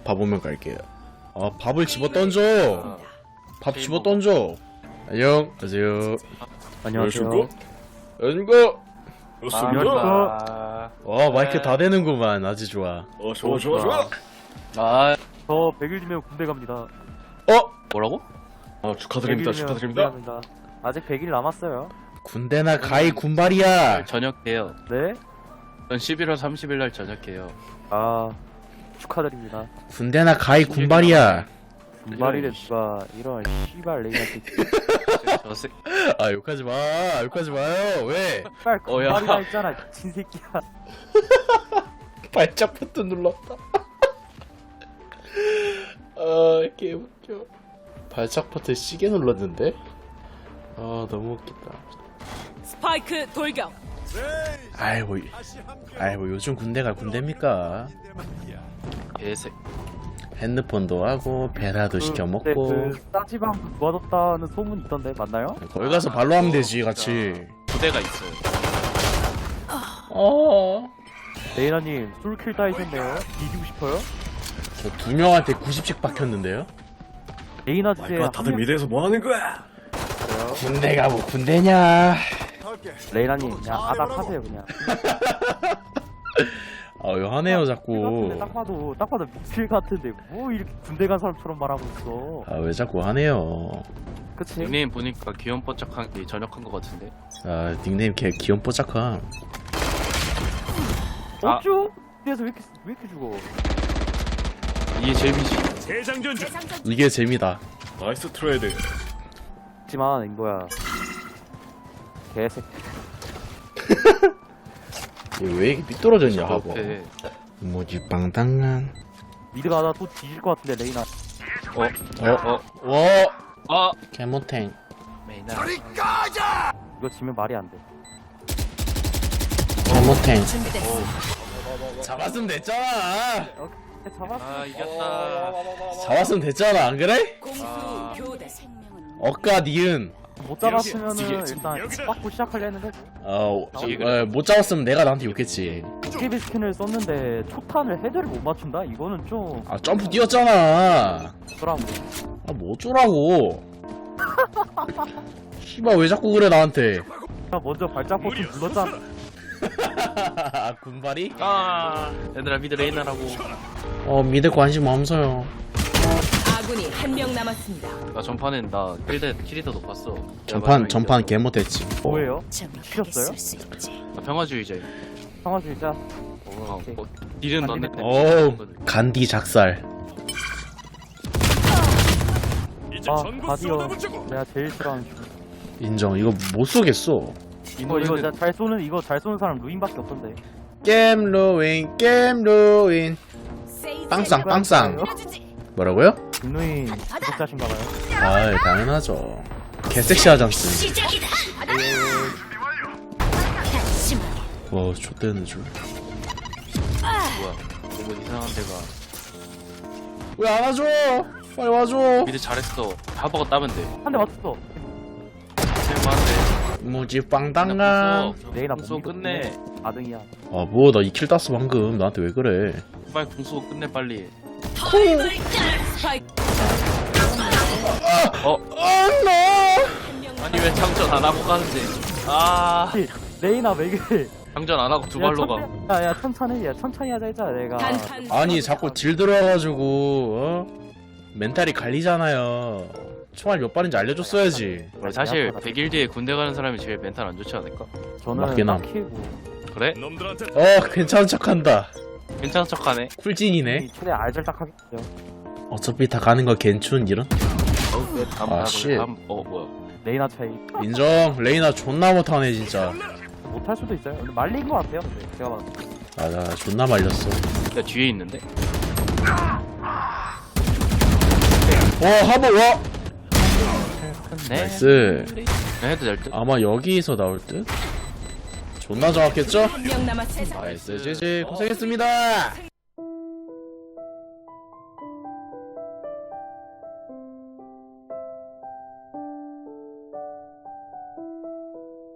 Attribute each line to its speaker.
Speaker 1: 밥 오면 갈게요. 아 밥을 집어 던져. 밥 집어 던져. 안녕하세요.
Speaker 2: 안녕하세요.
Speaker 1: 안녕하세요.
Speaker 2: 안녕하세요.
Speaker 1: 와 마이크 다 되는구만. 아주 좋아.
Speaker 2: 좋아.
Speaker 3: 아,
Speaker 2: 저 100일 뒤면 군대 갑니다.
Speaker 1: 어?
Speaker 3: 뭐라고?
Speaker 2: 축하드립니다. 축하드립니다. 아직 100일 남았어요.
Speaker 1: 군대나 가이 군발이야.
Speaker 3: 저녁해요.
Speaker 2: 네?
Speaker 3: 전 11월 30일 날 저녁해요.
Speaker 2: 아, 축하드립니다.
Speaker 1: 군대나 가이 군발이야.
Speaker 2: 군발이래 누가 이런 씨발 레이한테
Speaker 3: 저 새...
Speaker 1: 아 욕하지 마. 욕하지 마요. 왜?
Speaker 2: 씨발
Speaker 3: 야.
Speaker 2: 군발이라 했잖아 미친 새끼야.
Speaker 1: 발작 버튼 눌렀다. 아 개웃겨. 발작 버튼 시계 눌렀는데? 아 너무 웃기다.
Speaker 4: 스파이크 돌격.
Speaker 1: 아이고 요즘 군대가 군대입니까?
Speaker 3: 개새.
Speaker 1: 핸드폰도 하고 베라도 시켜
Speaker 2: 근데
Speaker 1: 먹고
Speaker 2: 그 싸지방 도와줬다는 소문 있던데 맞나요?
Speaker 1: 거기 가서 발로 하면 되지 같이.
Speaker 3: 부대가 있어요.
Speaker 2: 레이나님 솔킬 따이셨네요. 뒤지고 싶어요?
Speaker 1: 저 2명한테 90씩 박혔는데요?
Speaker 2: 레이나 주제에
Speaker 5: 다들 미대에서 뭐 하는 거야?
Speaker 1: 군대가 뭐 군대냐.
Speaker 2: 레이나님 그냥 아닥하세요 그냥.
Speaker 1: 아 왜 하네요
Speaker 2: 근데
Speaker 1: 자꾸.
Speaker 2: 딱 봐도 목필 같은데 뭐 이렇게 군대 간 사람처럼 말하고 있어.
Speaker 1: 아 왜 자꾸 하네요.
Speaker 2: 그치?
Speaker 3: 닉네임 보니까 귀염뽀짝한 게 전역한 것 같은데.
Speaker 1: 아 닉네임 개 귀염뽀짝함.
Speaker 2: 어쭈? 그래서 왜 이렇게 죽어?
Speaker 3: 이게 재미지.
Speaker 1: 이게 재미다.
Speaker 5: 나이스 트레이드.
Speaker 2: 하지만 뭐야 개새끼.
Speaker 1: 얘 왜 이렇게 삐뚤어졌냐 하고.
Speaker 3: 옆에
Speaker 1: 뭐지 빵당한.
Speaker 2: 미드가 하나 또 뒤질 것 같은데 레이나.
Speaker 1: 와 개모탱.
Speaker 3: 메이나.
Speaker 2: 이거 지면 말이 안 돼.
Speaker 1: 개모탱.
Speaker 4: 준비됐어.
Speaker 1: 잡았으면 됐잖아.
Speaker 2: 잡았어.
Speaker 3: 아, 이겼다.
Speaker 1: 잡았으면 됐잖아 안 그래?
Speaker 4: 공수 교대.
Speaker 1: 억까 니은.
Speaker 2: 못 잡았으면은 일단 받고 시작하려 했는데
Speaker 1: 못 잡았으면 내가 나한테 욕했지.
Speaker 2: 도깨비 스킨을 썼는데 초탄을 헤드를 못 맞춘다? 이거는 좀
Speaker 1: 아 점프 뛰었잖아.
Speaker 2: 그러고
Speaker 1: 아 뭐 어쩌라고. 씨발 왜 자꾸 그래 나한테.
Speaker 2: 먼저 발작 버튼 눌렀잖아.
Speaker 1: 군발이?
Speaker 3: 아, 얘들아 미드 레이나라고.
Speaker 1: 미대 관심 없어요.
Speaker 4: 아군이 한 명 남았습니다.
Speaker 3: 나 전판엔 나 킬이 더 높았어.
Speaker 1: 전판 개 못했지.
Speaker 2: 뭐예요? 치셨어요?
Speaker 3: 나 평화주의자야.
Speaker 2: 평화주의자?
Speaker 3: 뭐, 딜은
Speaker 2: 안
Speaker 3: 넣는데.
Speaker 1: 간디 작살.
Speaker 2: 아 바디어 내가 제일 싫어하는 중.
Speaker 1: 인정. 이거 못 쏘겠어.
Speaker 2: 이거 잘 쏘는 사람 루인밖에 없던데.
Speaker 1: 게임 루인. 빵쌍. 뭐라고요?
Speaker 2: 김루인 구독자신가봐요.
Speaker 1: 아 당연하죠. 개섹시하잖스. 와 좆되는 줄.
Speaker 3: 뭐야? 너무 이상한 데가.
Speaker 1: 왜 안 와줘? 빨리 와줘.
Speaker 3: 미드 잘했어. 하버가 따면 돼.
Speaker 2: 한 대 맞췄어.
Speaker 3: 제일만한데.
Speaker 1: 뭐지 빵당가.
Speaker 2: 레이나
Speaker 3: 궁수 끝내.
Speaker 2: 4등이야.
Speaker 1: 아 뭐 나 2킬 땄어 방금. 나한테 왜 그래?
Speaker 3: 빨리 궁수 끝내 빨리.
Speaker 4: 스파이크
Speaker 3: 아니 왜 장전 안 하고 가는데? 아,
Speaker 2: 레이나 왜 그래?
Speaker 3: 장전 안 하고 두 발로 가.
Speaker 2: 야 천천히 하자 했잖아 내가.
Speaker 4: 단판.
Speaker 1: 아니 자꾸 딜 들어와가지고 멘탈이 갈리잖아요. 총알 몇 발인지 알려줬어야지.
Speaker 3: 사실 100일 뒤에 군대 가는 사람이 제일 멘탈 안 좋지 않을까?
Speaker 2: 저는
Speaker 1: 맞긴 함.
Speaker 2: 딱히고
Speaker 3: 그래?
Speaker 1: 괜찮은 척한다.
Speaker 3: 괜찮은 척하네.
Speaker 1: 쿨진이네.
Speaker 2: 최대 알잘딱하겠죠.
Speaker 1: 어차피 다 가는 거 괜춘 이런. 아, 씨.
Speaker 3: 뭐야?
Speaker 2: 레이나 차이
Speaker 1: 인정. 레이나 존나 못하네 진짜.
Speaker 2: 못할 수도 있어요. 근데 말린 것 같아요. 근데 제가 봤을 때.
Speaker 1: 나 존나 말렸어.
Speaker 3: 야 뒤에 있는데?
Speaker 1: 하버 와.
Speaker 3: 네.
Speaker 1: 나이스.
Speaker 3: 해도 될 듯.
Speaker 1: 아마 여기서 나올 듯. 존나 정확했죠?
Speaker 4: 한 명 남았습니다.
Speaker 1: 나이스 지지 고생했습니다.